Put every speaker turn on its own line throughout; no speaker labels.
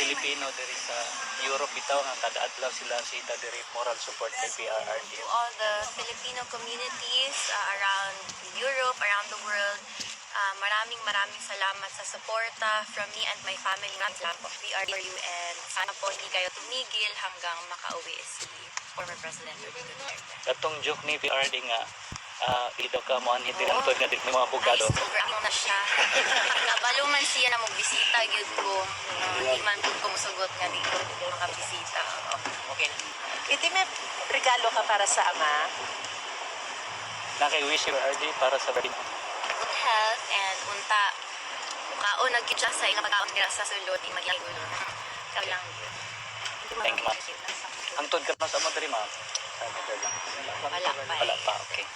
Filipino diri sa Europe bitaw nga kada adlaw sila sita diri moral support kay PRRD.
To all the Filipino communities around Europe, around the world, maraming salamat sa suporta from me and my family. Maraming salamat po. We are you and sana po hindi kayo tumigil hanggang makauwi si former President Rodrigo Duterte.
Katong joke ni PRRD nga ito ka mo anhin din ang tod nga di mga abogado.
Ay, sobrang na siya. Nabaluman siya na magbisita gyud ko. Hindi man po kumusugot nga dito makabisita.
Okay.
Iti may regalo ka para sa ama.
Naki-wish si PRRD para sa birthday.
Good health and unta kaon na gyud siya sa ilang pagkaon dira sa sulod di magyulo. Kami lang gyud.
Thank you, ma'am. Ang tod ka na sa mo diri ma'am. Sabi ko lang.
Wala pa.
Wala pa, okay.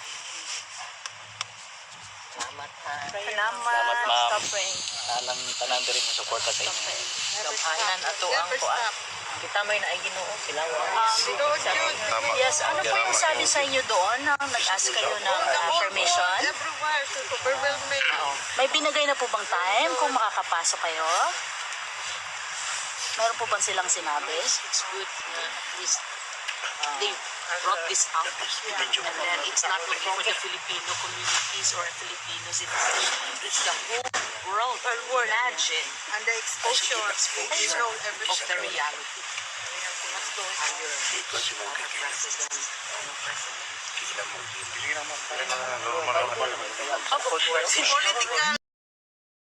Salamat ha.
Salamat, ma'am. Alang tanan diri mo suporta sa inyo.
Gamhanan ato ang kuan. Kita may naay Ginoo sila.
Yes, ano po yung sabi sa inyo doon nang nag-ask kayo ng permission?
Everywhere, so overwhelming.
May binigay na po bang time kung makakapasok kayo? Meron po bang silang sinabi?
It's good na at least they brought this out. And then it's not only for the Filipino communities or Filipinos, it's the whole world. Imagine
And the exposure, you know
of
everything.
the reality. What's going on? President, president.
Political